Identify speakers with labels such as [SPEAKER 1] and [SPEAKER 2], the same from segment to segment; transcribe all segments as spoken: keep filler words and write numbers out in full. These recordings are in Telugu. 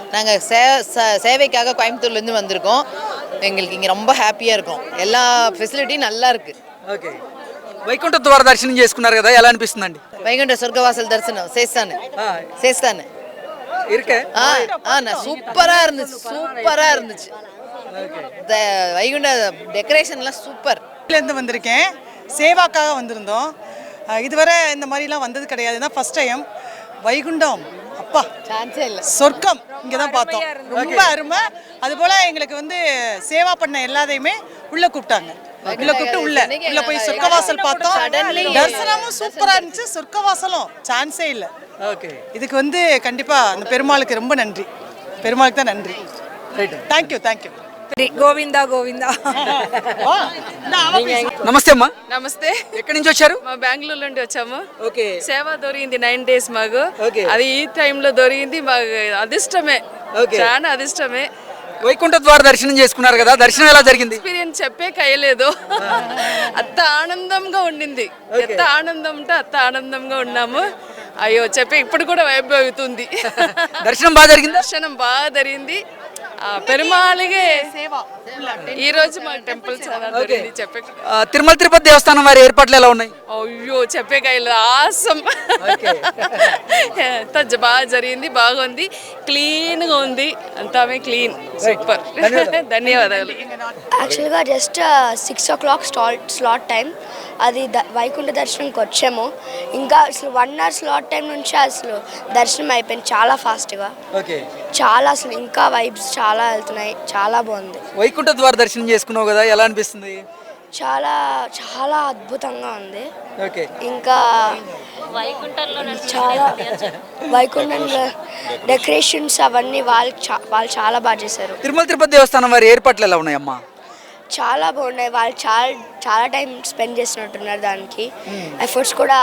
[SPEAKER 1] நாங்கள் சே சேவைக்காக கோயம்புத்தூர்லேருந்து வந்திருக்கோம். எங்களுக்கு இங்கே ரொம்ப ஹாப்பியாக இருக்கும். எல்லா ஃபெசிலிட்டியும் நல்லா இருக்குது.
[SPEAKER 2] ఓకే వైకుంఠ ద్వార దర్శనం చేసుకున్నారు కదా, ఎలా అనిపిస్తుందండి?
[SPEAKER 1] వైకుంఠ స్వర్గవాసల్ దర్శనం చేస్తాను చేస్తాను
[SPEAKER 2] இருக்கே
[SPEAKER 1] சூப்பராக இருந்துச்சு சூப்பராக இருந்துச்சு. வைகுண்ட டெக்கரேஷன்லாம் சூப்பர்.
[SPEAKER 3] இருந்து வந்திருக்கேன், சேவாக்காக வந்திருந்தோம். இதுவரை இந்த மாதிரிலாம் வந்தது கிடையாது, தான் ஃபர்ஸ்ட் டைம். வைகுண்டம் அப்பா
[SPEAKER 1] சான்ஸே இல்லை,
[SPEAKER 3] சொர்க்கம் இங்கே தான் பார்த்தோம். ரொம்ப அருமை. அதுபோல் எங்களுக்கு வந்து சேவா பண்ண எல்லாத்தையுமே உள்ளே கூப்பிட்டாங்க. உள்ள கூப்பிட்டு உள்ள உள்ள போய் சொர்க்கவாசல் பார்த்தோம். தரிசனமும் சூப்பராக இருந்துச்சு, சொர்க்கவாசலும் சான்ஸே இல்லை.
[SPEAKER 2] ஓகே,
[SPEAKER 3] இதுக்கு வந்து கண்டிப்பாக அந்த பெருமாளுக்கு ரொம்ப நன்றி, பெருமாளுக்கு தான் நன்றி. Thank you thank you.
[SPEAKER 4] గోవిందా గోవిందా.
[SPEAKER 2] నమస్తే అమ్మా.
[SPEAKER 5] నమస్తే.
[SPEAKER 2] ఎక్కడి నుంచి వచ్చారు?
[SPEAKER 5] మా బెంగళూరు నుండి వచ్చాము.
[SPEAKER 2] ఓకే,
[SPEAKER 5] సేవ దొరికింది నైన్ డేస్ మాకు. అది ఈ టైంలో దొరికింది మాకు అదృష్టమే, చాలా అదృష్టమే.
[SPEAKER 2] వైకుంఠ ద్వార దర్శనం చేసుకున్నారు కదా, దర్శనం ఎలా జరిగింది?
[SPEAKER 5] ఎక్స్పీరియన్స్ చెప్పే కయ్యలేదు. అంత ఆనందంగా ఉండింది, ఎంత ఆనందం ఉంటే అంత ఆనందంగా ఉన్నాము. అయ్యో చెప్పే ఇప్పుడు కూడా వైబ్ అవుతుంది.
[SPEAKER 2] దర్శనం బాగా జరిగింది.
[SPEAKER 5] దర్శనం బాగా జరిగింది. పెరుమాళిగే ఈ రోజు మా టెంపుల్ చాలా జరిగింది. చెప్పే
[SPEAKER 2] తిరుమల తిరుపతి దేవస్థానం వారి ఏర్పాట్లు ఎలా ఉన్నాయి?
[SPEAKER 5] అయ్యో చెప్పే కయ్యలేదు, ఆసం. అంత బాగా జరిగింది, బాగుంది, క్లీన్ గా ఉంది, అంతా క్లీన్, సూపర్. ధన్యవాదాలు.
[SPEAKER 6] యాక్చువల్గా just six o'clock slot slot time అది ద వైకుంఠ దర్శనంకి వచ్చాము. ఇంకా అసలు వన్ అవర్ స్లాట్ టైం నుంచి అసలు దర్శనం అయిపోయింది చాలా ఫాస్ట్గా. చాలా అసలు ఇంకా వైబ్స్ చాలా వెళ్తున్నాయి, చాలా బాగుంది.
[SPEAKER 2] వైకుంఠ ద్వార దర్శనం చేసుకున్నావు కదా, ఎలా అనిపిస్తుంది?
[SPEAKER 6] చాలా చాలా అద్భుతంగా ఉంది. ఇంకా చాలా వైకుంఠంలో డెకరేషన్స్ అవన్నీ వాళ్ళు వాళ్ళు చాలా బాగా చేశారు.
[SPEAKER 2] తిరుమల తిరుపతి దేవస్థానం వారి ఏర్పాట్లు ఎలా ఉన్నాయమ్మా?
[SPEAKER 6] చాలా బాగున్నాయి. వాళ్ళు చాలా చాలా టైం స్పెండ్ చేసినట్టున్నారు దానికి. ఎఫర్ట్స్ కూడా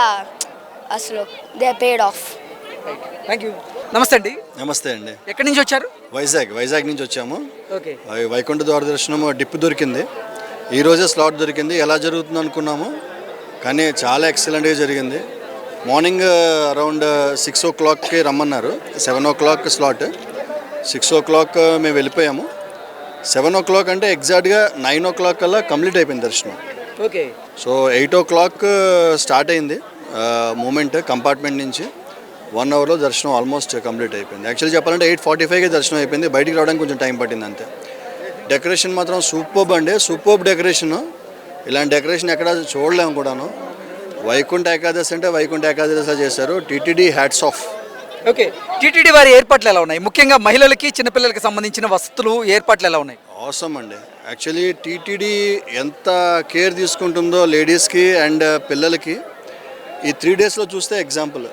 [SPEAKER 6] అసలు they paid off.
[SPEAKER 2] Thank you. నమస్తే అండి.
[SPEAKER 7] నమస్తే అండి.
[SPEAKER 2] ఎక్కడి నుంచి వచ్చారు?
[SPEAKER 7] వైజాగ్ వైజాగ్ నుంచి వచ్చాము.
[SPEAKER 2] ఓకే,
[SPEAKER 7] వైకుంఠ ద్వార దర్శనం డిప్ దొరికింది, ఈరోజే స్లాట్ దొరికింది. ఎలా జరుగుతుంది అనుకున్నాము, కానీ చాలా ఎక్సలెంట్గా జరిగింది. మార్నింగ్ అరౌండ్ సిక్స్ ఓ క్లాక్కి రమ్మన్నారు, seven o'clock slot. Six o'clock మేము వెళ్ళిపోయాము. సెవెన్ ఓ క్లాక్ అంటే ఎగ్జాక్ట్గా నైన్ ఓ క్లాక్ కల్లా కంప్లీట్ అయిపోయింది దర్శనం.
[SPEAKER 2] Okay,
[SPEAKER 7] so eight o'clock start అయింది మూమెంట్ కంపార్ట్మెంట్ నుంచి. వన్ అవర్లో దర్శనం ఆల్మోస్ట్ కంప్లీట్ అయిపోయింది. యాక్చువల్లీ చెప్పాలంటే ఎయిట్ ఫార్టీ ఫైవ్కి దర్శనం అయిపోయింది, బయటికి రావడానికి కొంచెం టైం పట్టింది అంతే. డెకరేషన్ మాత్రం సూపర్బ్ అండి, సూపర్బ్ డెకరేషను. ఇలాంటి డెకరేషన్ ఎక్కడ చూడలేము కూడాను. వైకుంఠ ఏకాదశి అంటే వైకుంఠ ఏకాదశి చేశారు. TTD hats off.
[SPEAKER 2] Okay, TTD వారి ఏర్పాట్లు ఎలా ఉన్నాయి? ముఖ్యంగా మహిళలకి చిన్నపిల్లలకి సంబంధించిన వసతులు ఏర్పాట్లు ఎలా ఉన్నాయి?
[SPEAKER 7] అవసరం అండి. యాక్చువల్లీ టీటీడీ ఎంత కేర్ తీసుకుంటుందో లేడీస్కి అండ్ పిల్లలకి ఈ త్రీ డేస్లో చూస్తే ఎగ్జాంపుల్.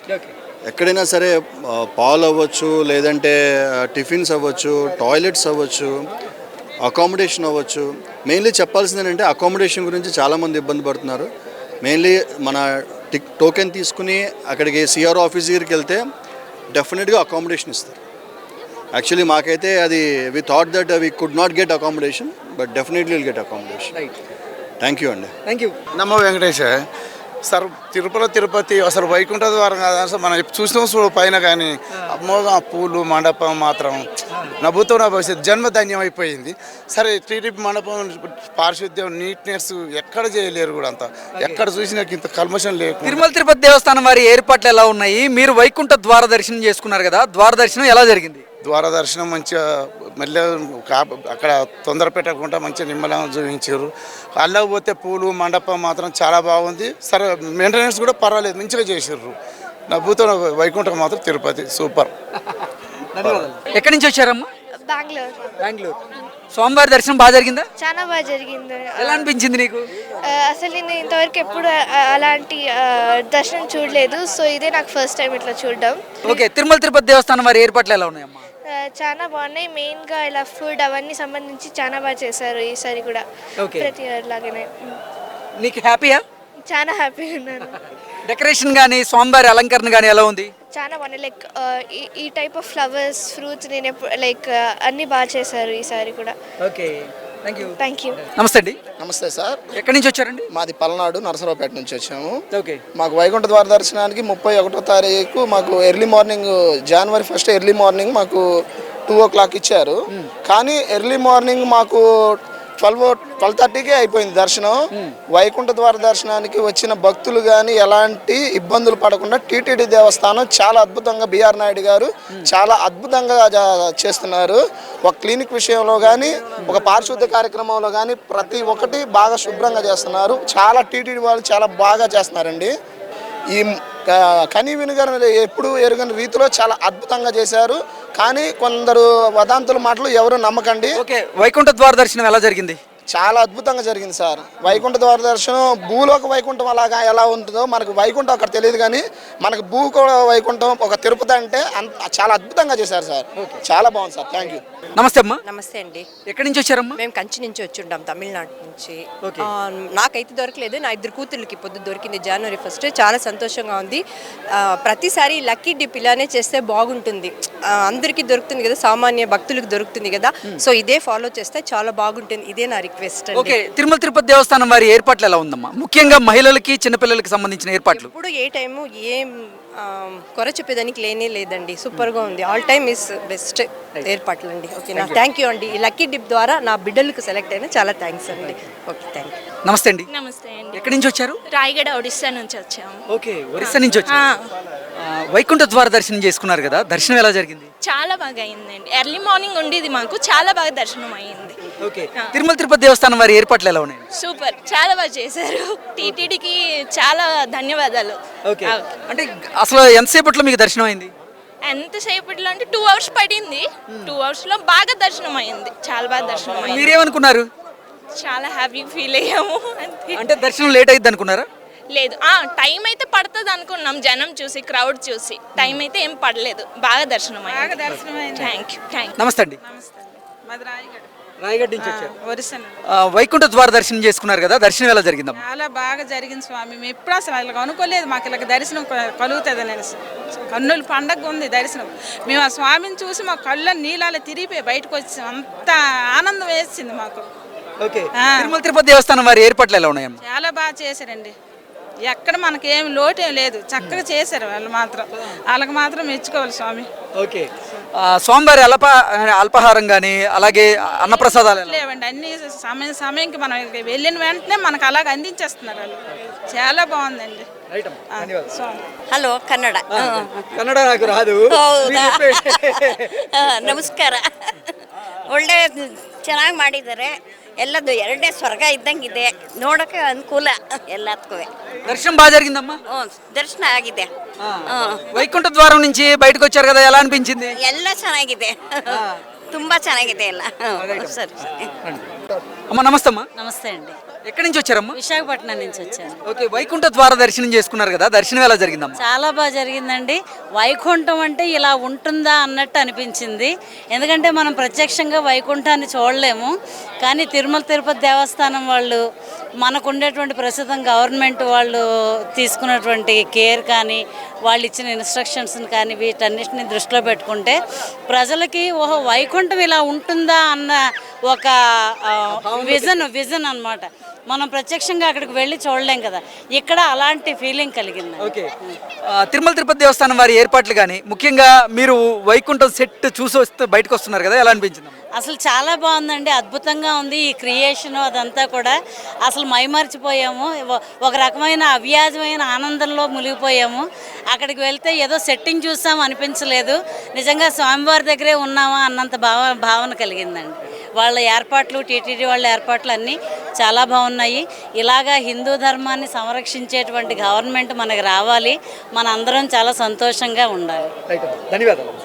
[SPEAKER 7] ఎక్కడైనా సరే పాలు అవ్వచ్చు, లేదంటే టిఫిన్స్ అవ్వచ్చు, టాయిలెట్స్ అవ్వచ్చు, అకామిడేషన్ అవ్వచ్చు. మెయిన్లీ చెప్పాల్సింది ఏంటంటే అకామిడేషన్ గురించి చాలామంది ఇబ్బంది పడుతున్నారు. మెయిన్లీ మన టిక్ టోకెన్ తీసుకుని అక్కడికి సిఆర్ఓ ఆఫీస్ దగ్గరికి వెళ్తే డెఫినెట్గా అకామిడేషన్ ఇస్తారు. యాక్చువల్లీ మాకైతే అది we thought that we could not get accommodation, but definitely will get accommodation. Thank you అండి.
[SPEAKER 2] Thank you.
[SPEAKER 8] నమో వెంకటేశ. సార్ తిరుపతి తిరుపతి అసలు వైకుంఠ ద్వారం కాదు సార్, మనం చూసిన పైన కానీ అమ్మోగా పూలు మండపం మాత్రం నవ్వుతో నా భవిష్యత్తు జన్మ ధన్యం అయిపోయింది. సరే టీడీపీ మండపం పారిశుద్ధ్యం నీట్నెస్ ఎక్కడ చేయలేరు కూడా, అంత ఎక్కడ చూసినా ఇంత కల్మషం లేదు.
[SPEAKER 2] తిరుమల తిరుపతి దేవస్థానం వారి ఏర్పాట్లు ఎలా ఉన్నాయి? మీరు వైకుంఠ ద్వార దర్శనం చేసుకున్నారు కదా, ద్వార దర్శనం ఎలా జరిగింది?
[SPEAKER 8] ద్వార దర్శనం మంచిగా మళ్ళీ అక్కడ తొందర పెట్టకుండా మంచిగా నిమ్మలంగా చూపించారు. అల్లకు పోతే పూలు మండపం మాత్రం చాలా బాగుంది. సరే మెయింటెనెన్స్ కూడా పర్వాలేదు, మంచిగా చేసారు. నవ్వుతో వైకుంఠం మాత్రం తిరుపతి సూపర్.
[SPEAKER 2] ఎక్కడి నుంచి వచ్చారమ్మా?
[SPEAKER 6] బెంగళూరు.
[SPEAKER 2] బెంగళూరు. స్వామివారి దర్శనం బాగా జరిగిందా?
[SPEAKER 6] చాలా బాగా జరిగింది.
[SPEAKER 2] ఎలా అనిపించింది నీకు?
[SPEAKER 6] అసలు నేను ఇంతవరకు ఎప్పుడు అలాంటి దర్శనం చూడలేదు, సో ఇదే నాకు ఫస్ట్ టైం ఇట్లా చూడడం.
[SPEAKER 2] ఓకే, తిరుమల తిరుపతి దేవస్థానం వారి ఏర్పాట్లు ఎలా ఉన్నాయమ్మా?
[SPEAKER 6] చాలా బాగున్నాయి. మెయిన్గా ఇలా ఫుడ్ అవన్నీ సంబంధించి చాలా బాగా చేశారు ఈసారి కూడా, ప్రతి ఇయర్ లాగానే.
[SPEAKER 2] నీకు హ్యాపీయా?
[SPEAKER 6] చాలా హ్యాపీగా ఉన్నాను.
[SPEAKER 2] డెకరేషన్ కానీ స్వామివారి అలంకరణ కానీ ఎలా ఉంది?
[SPEAKER 6] చాలా బాగున్నాయి. లైక్ ఈ టైప్ ఆఫ్ ఫ్లవర్స్, ఫ్రూట్స్, నేను ఎప్పుడు లైక్ అన్నీ బాగా చేశారు ఈసారి కూడా.
[SPEAKER 2] Okay, thank you
[SPEAKER 6] thank you.
[SPEAKER 2] నమస్తే అండి.
[SPEAKER 9] నమస్తే సార్,
[SPEAKER 2] ఎక్కడి నుంచి వచ్చారండి?
[SPEAKER 9] మాది పల్నాడు నరసరావుపేట నుంచి వచ్చాము.
[SPEAKER 2] ఓకే.
[SPEAKER 9] మాకు వైకుంఠ ద్వార దర్శనానికి ముప్పై ఒకటో తారీఖు మాకు early morning January first early morning మాకు టూ ఓ క్లాక్ ఇచ్చారు. కానీ ఎర్లీ మార్నింగ్ మాకు ట్వెల్వ్ ట్వెల్వ్ థర్టీకే అయిపోయింది దర్శనం. వైకుంఠ ద్వార దర్శనానికి వచ్చిన భక్తులు కానీ ఎలాంటి ఇబ్బందులు పడకుండా టీటీడీ దేవస్థానం చాలా అద్భుతంగా బిఆర్ నాయుడు గారు చాలా అద్భుతంగా జా- చేస్తున్నారు. ఒక క్లినిక్ విషయంలో కానీ ఒక పారిశుద్ధ్య కార్యక్రమంలో కానీ ప్రతి ఒక్కటి బాగా శుభ్రంగా చేస్తున్నారు. చాలా టీటీడీ వాళ్ళు చాలా బాగా చేస్తున్నారండి. ఈ కనీ వినుగర్ ఎప్పుడు ఎరుగని రీతిలో చాలా అద్భుతంగా చేశారు. కానీ కొందరు వదాంతుల మాటలు ఎవరు నమ్మకండి.
[SPEAKER 2] ఓకే, వైకుంఠ ద్వార దర్శనం ఎలా జరిగింది?
[SPEAKER 9] చాలా అద్భుతంగా జరిగింది సార్. వైకుంఠ ద్వార దర్శనం భూలోక వైకుంఠం అలాగా ఎలా ఉంటుందో మనకు వైకుంఠం అక్కడ తెలియదు, కానీ మనకు భూ వైకుంఠం ఒక తిరుపతి అంటే అంత చాలా అద్భుతంగా చేశారు సార్. చాలా బాగుంది సార్. Thank you.
[SPEAKER 2] నమస్తే అమ్మా.
[SPEAKER 10] నమస్తే అండి.
[SPEAKER 2] ఎక్కడి నుంచి వచ్చారమ్మా?
[SPEAKER 10] మేము కంచి నుంచి వచ్చి ఉంటాం, తమిళనాడు నుంచి.
[SPEAKER 2] ఓకే.
[SPEAKER 10] ఆ, నాకైతే దొరకలేదు, నా ఇద్దరు కూతుర్లకి పొద్దు దొరికింది జనవరి ఫస్ట్. చాలా సంతోషంగా ఉంది. ఆ, ప్రతిసారి లక్కీ డిప్ ఇలానే చేస్తే బాగుంటుంది. ఆ, అందరికీ దొరుకుతుంది కదా, సామాన్య భక్తులకు దొరుకుతుంది కదా. సో ఇదే ఫాలో చేస్తే చాలా బాగుంటుంది. ఇదే నా రిక్వెస్ట్ అండి.
[SPEAKER 2] ఓకే, తిరుమల తిరుపతి దేవస్థానం వారి ఏర్పాట్లు ఎలా ఉందమ్మా? ముఖ్యంగా మహిళలకి చిన్నపిల్లలకి సంబంధించిన ఏర్పాట్లు.
[SPEAKER 10] ఇప్పుడు ఏ టైము ఏం ఆ, కొర చెప్పేదానికి లేనే లేదండి. సూపర్గా ఉంది. ఆల్ టైమ్ ఇస్ బెస్ట్ ఏర్పాట్లు అండి. ఓకేనా, థ్యాంక్ యూ అండి. ఈ లక్కీ డిప్ ద్వారా నా బిడ్డలకు సెలెక్ట్ అయినా చాలా థ్యాంక్స్ అండి. Okay, thank you.
[SPEAKER 2] నమస్తే అండి.
[SPEAKER 11] నమస్తే అండి.
[SPEAKER 2] ఎక్కడి నుంచి వచ్చారు?
[SPEAKER 11] రాయగడ ఒడిస్సా నుంచి వచ్చాము.
[SPEAKER 2] ఓకే, ఒరిస్సా నుంచి వచ్చారు. ఆ, వైకుంఠ ద్వార దర్శనం చేసుకున్నారు కదా, దర్శనం ఎలా జరిగింది?
[SPEAKER 11] చాలా బాగా అయిందండి. ఎర్లీ మార్నింగ్ ఉండేది మాకు, చాలా బాగా దర్శనం అయింది.
[SPEAKER 2] ఓకే, తిరుమల తిరుపతి దేవస్థానం వారి ఏర్పాట్లు ఎలా ఉన్నాయి?
[SPEAKER 11] సూపర్, చాలా బాగా చేశారు. టీటీడీకి చాలా ధన్యవాదాలు.
[SPEAKER 2] ఓకే, అంటే అసలు ఎంతసేపట్లో మీకు దర్శనం అయింది?
[SPEAKER 11] ఎంతసేపట్లో అంటే టూ అవర్స్ పడింది. టూ అవర్స్ లో బాగా దర్శనం అయింది. చాలా బాగా దర్శనం అయింది.
[SPEAKER 2] మీరేమనుకున్నారు?
[SPEAKER 11] చాలా హ్యాపీ ఫీల్ అయ్యాము. అంతే.
[SPEAKER 2] అంటే దర్శనం లేట్ అయింది అనుకున్నారా?
[SPEAKER 11] లేదు, ఆ టైం అయితే పడుతుంది అనుకున్నాం, జనం చూసి క్రౌడ్ చూసి. టైం అయితే ఏం పడలేదు, బాగా దర్శనం అయింది. Thank you. Thank you.
[SPEAKER 2] నమస్తే అండి.
[SPEAKER 3] మాది రాయగడ
[SPEAKER 2] రాయగడ్ నుంచి వచ్చారు.
[SPEAKER 3] ఒరిస్సా.
[SPEAKER 2] ఆ, వైకుంఠ ద్వార దర్శనం చేసుకున్నారు కదా, దర్శనం ఎలా జరిగిందమ్మా?
[SPEAKER 3] చాలా బాగా జరిగింది స్వామి. మేము ఎప్పుడు అసలు ఇలా అనుకోలేదు మాకు ఇలా దర్శనం కలుగుతుంది నేను కన్నుల పండగ ఉంది దర్శనం. మేము ఆ స్వామిని చూసి మా కళ్ళ నీళ్ళలో తిరిగిపోయి బయటకు వచ్చి అంత ఆనందం వేసింది మాకు.
[SPEAKER 2] ఓకే, తిరుమల తిరుపతి దేవస్థానం వారి ఏర్పాట్లు ఎలా ఉన్నాయమ్మా?
[SPEAKER 3] చాలా బాగా చేశారండి. ఎక్కడ మనకేం లోటేం లేదు, చక్కగా చేశారు వాళ్ళు మాత్రం. వాళ్ళకి మాత్రం మెచ్చుకోవాలి స్వామి.
[SPEAKER 2] ఓకే, ఆ, స్వామివారి అల్ప అల్పాహారం కానీ అలాగే అన్నప్రసాదాలు ఎలా?
[SPEAKER 3] లేవండి, అన్ని సమయం సమయంకి మనం వెళ్ళిన వెంటనే మనకు అలాగ అందించేస్తున్నారు వాళ్ళు. చాలా బాగుందండి. ఆ, స్వామి.
[SPEAKER 10] ಹಲೋ ಕನ್ನಡ
[SPEAKER 2] ಕನ್ನಡ నాకు రాదు.
[SPEAKER 10] ಹೌದಾ? ಆ, ನಮಸ್ಕಾರ. ಒಳ್ಳೆ ಚೆನ್ನಾಗಿ ಮಾಡಿದ್ದಾರೆ. ಎಲ್ಲದು ಎರಡೇ ಸ್ವರ್ಗ ಇದ್ದಂಗಿದೆ, ನೋಡೋಕೆ ಅನುಕೂಲ ಎಲ್ಲದಕ್ಕೂ.
[SPEAKER 2] దర్శనం బాగా జరిగిందమ్మా?
[SPEAKER 10] ಹ್ಞೂ, ದರ್ಶನ ಆಗಿದೆ.
[SPEAKER 2] వైకుంఠ ద్వారం నుంచి బయటకు వచ్చారు కదా, ఎలా అనిపించింది?
[SPEAKER 10] ಎಲ್ಲ ಚೆನ್ನಾಗಿದೆ, ತುಂಬಾ ಚೆನ್ನಾಗಿದೆ ಎಲ್ಲ. ಸರಿ.
[SPEAKER 2] అమ్మా నమస్తే అమ్మా.
[SPEAKER 4] నమస్తే అండి.
[SPEAKER 2] ఎక్కడి నుంచి వచ్చారమ్మా?
[SPEAKER 4] విశాఖపట్నం నుంచి వచ్చాను.
[SPEAKER 2] ఓకే, వైకుంఠ ద్వార దర్శనం చేసుకున్నారు కదా, దర్శనం ఎలా జరిగిందమ్మా?
[SPEAKER 4] చాలా బాగా జరిగిందండి. వైకుంఠం అంటే ఇలా ఉంటుందా అన్నట్టు అనిపించింది. ఎందుకంటే మనం ప్రత్యక్షంగా వైకుంఠాన్ని చూడలేము, కానీ తిరుమల తిరుపతి దేవస్థానం వాళ్ళు మనకు ఉండేటువంటి ప్రస్తుతం గవర్నమెంట్ వాళ్ళు తీసుకున్నటువంటి కేర్ కానీ వాళ్ళు ఇచ్చిన ఇన్స్ట్రక్షన్స్ని కానీ వీటన్నిటిని దృష్టిలో పెట్టుకుంటే ప్రజలకి ఓహో వైకుంఠం ఇలా ఉంటుందా అన్న ఒక విజన్ విజన్ అన్నమాట. మనం ప్రత్యక్షంగా అక్కడికి వెళ్ళి చూడలేం కదా, ఇక్కడ అలాంటి ఫీలింగ్ కలిగింది.
[SPEAKER 2] ఓకే, ఆ, తిరుమల తిరుపతి దేవస్థానం వారి ఏర్పాట్లు కానీ ముఖ్యంగా మీరు వైకుంఠం సెట్ చూసి వస్తే బయటకు వస్తున్నారు కదా, ఎలా అనిపించింది?
[SPEAKER 4] అసలు చాలా బాగుందండి, అద్భుతంగా ఉంది. ఈ క్రియేషన్ అదంతా కూడా అసలు మైమర్చిపోయాము. ఒక రకమైన అవ్యాజమైన ఆనందంలో మునిగిపోయాము. అక్కడికి వెళ్తే ఏదో సెట్టింగ్ చూసాము అనిపించలేదు, నిజంగా స్వామివారి దగ్గరే ఉన్నామా అన్నంత భావ భావన కలిగిందండి. వాళ్ళ ఏర్పాట్లు, టీటీడీ వాళ్ళ ఏర్పాట్లు అన్నీ చాలా బాగున్నాయి. ఇలాగా హిందూ ధర్మాన్ని సంరక్షించేటువంటి గవర్నమెంట్ మనకు రావాలి, మన అందరం చాలా సంతోషంగా ఉండాలి.
[SPEAKER 2] ధన్యవాదాలు.